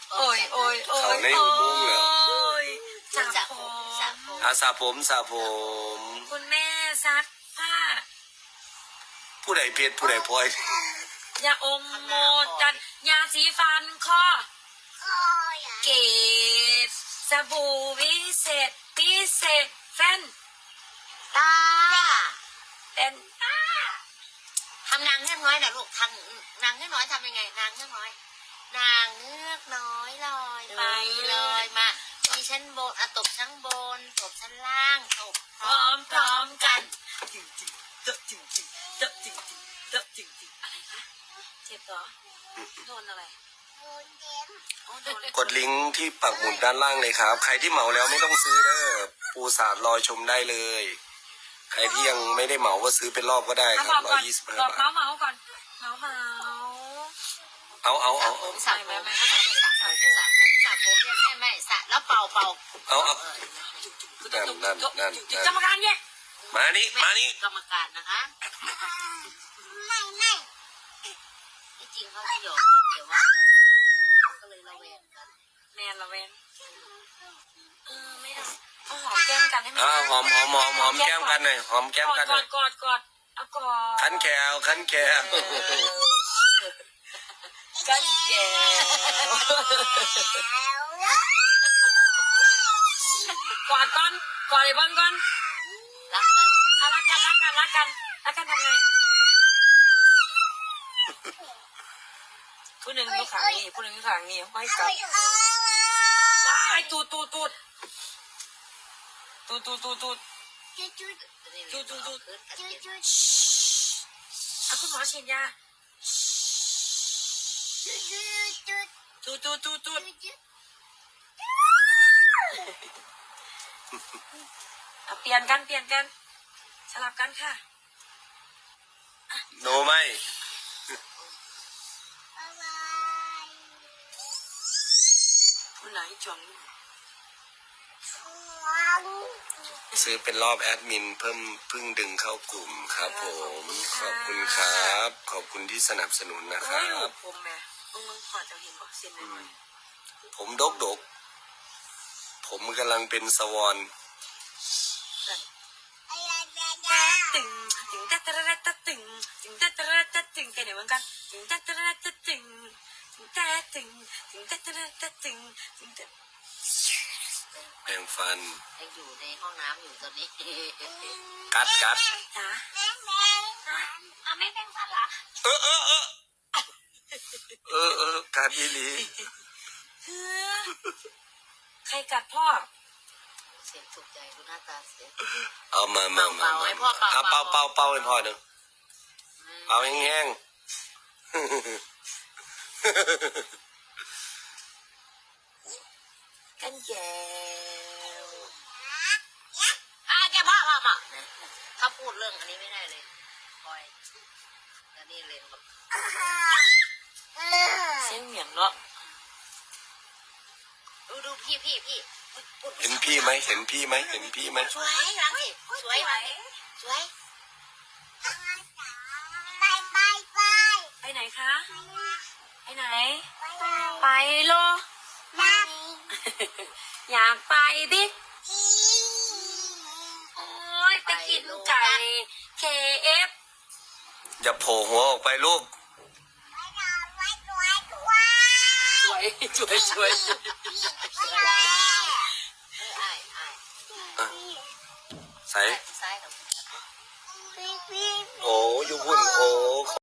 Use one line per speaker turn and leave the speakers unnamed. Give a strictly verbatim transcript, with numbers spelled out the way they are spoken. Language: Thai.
โอ้ยโอ้ยโอ้ย
เขาในอุโมงค์แล้ว
สระผม
อาสาผมสาผม
คุณแม่ซักผ้า
ผู้ใดเพชรผู้ใดพลอย
ยาอมโมจันยาสีฟันข้อเกตสบู่วิเศษพิเศษแฟน
ตา
เป็นตา
ทำนางเงือกน้อยนะลูกทำนางเงือกน้อยทำยังไงนางเงือกน้อย นางเงือกน้อยลอยไปลอยมามีชั้นบนอะตบชั้นบนตบชั้นล่างตบ
พร้อมพร้อมกันจริงจริงเจาะจริงจริงเจาะจริงจริงเจาะจริงจริงอะไรคะเจ็บเหรอโดนอะไรโอ้โดน
กดลิงก์ที่ปักหมุดด้านล่างเลยครับ ใครที่เหมาแล้วไม่ต้องซื้อเด้อปูสาดรอชมได้เลย ใครที่ยังไม่ได้เหมาก็ซื้อเป็นรอบก็ได้ค
เอา
รั
บบ อก
ร้อ
ก่อย น
ยี่สิบห้า
บอก
บาท
เมาส์เมาส์ก่อนเมาส์เมาส์
เอาเอาเอา
ผมส
ใส่
ระ
ไห
ผม ม
ไม่
ไม่
ไม่
ไม่
ไม่
สระ
ใส่
ผมสระผมสระผมเนี่ยไม่ไม่สระแล้วเป่าเป่า
เอาเอานั่นนั่นนั่นนั่น
กรรมการเนี่ย
มานี่มานี่
กรรมการนะคะไม่ไม่ที่จริงเขาหยอกกันแต่ว่าเขาเขาก็เลยระแวงกัน
แมนละเวนเออไม่ได้เอาหอมแก้มกันให้มัน
อ่าหอมหอมหอมหอมแก้มกันหน่อยหอมแก้ม
กอ
กั
ด
นห
ก
น่
อ
อย
ดกอดกอดเอากอด
ขันแขวขันแขว
กันแก้กอดก่อนกอดไอ้บอลก่อน
รักกัน
เอารักกันรักกันรักกันรักกันทำไงผู้หนึ่งอยู่ข้างนี้ผู้หนึ่งอยู่ข้างนี้ไม่กัดว้ายตูดตูดตูดตูดตูดตูดตูด
จูจูจูจูจูจู
อ่ะคุณหมอฉีดยาตูดตูดตูดตูดอ่ะเปลี่ยนกันเปลี่ยนกันสลับกันค่ะ
โนไม่
ผู้ไหนจวง
ซื้อเป็นรอบแอดมินเพิ่มเพิ่งดึงเข้ากลุ่มครับผมขอบคุณครับ ขอบคุณที่สนับสนุนนะค
โอ้
รั
ยลู
บ
กผมแม่มึงมึงพอจะเห็นบอกเส้นเลย
ผมดกดกผมกำลังเป็นสวอน
ตึงตึงตะตะระตะตึงตึงตะตะระตะตึงไปไหนเหมือนกันตึงตะตะระตะตึงตึงตะตึงตึงตะตะระตะตึงตึงตะ
แปรงฟัน
ยังอยู่ในห้องน้ำอยู่ตอนนี้
กัดกัด
จ๋าอ่ะไม่เป็นฟันเหรอ
เออเออเออเออเออกัดอีหลี
ใครกัดพ่อ
เสียงถูกใจดูหน้าตาเสีย
เอามามามา
เป่าๆให้พ่อเป่า
เอาเป่า
เป่า
เป่าเป่าให้พ่อหนึ่งเป่าแห้ง
กันแก้ว
อ่ะแกพ่อพ่อพ่อถ้าพูดเรื่องอันนี้ไม่ได้เลยคอยแล้วนี่เลนแบบ
เสียงเหมียงเนาะ
ดูดูพี่พี่พี่
ๆเห็นพี่ไหมเห็นพี่ไหมเห็นพี่ไหม
สวยรังสิสวยรังสิสวย
ไปไหนคะไปไหน ไปโลอยากไปดิโอ้ยไปกินไก่ เค เอฟ
อย่าโผล่หัวออกไปลูก
สวยสวยสวย
เออไอ้ไอ้
ใส่
ซ้ายกับ
โอ้ยหุ่นโอ้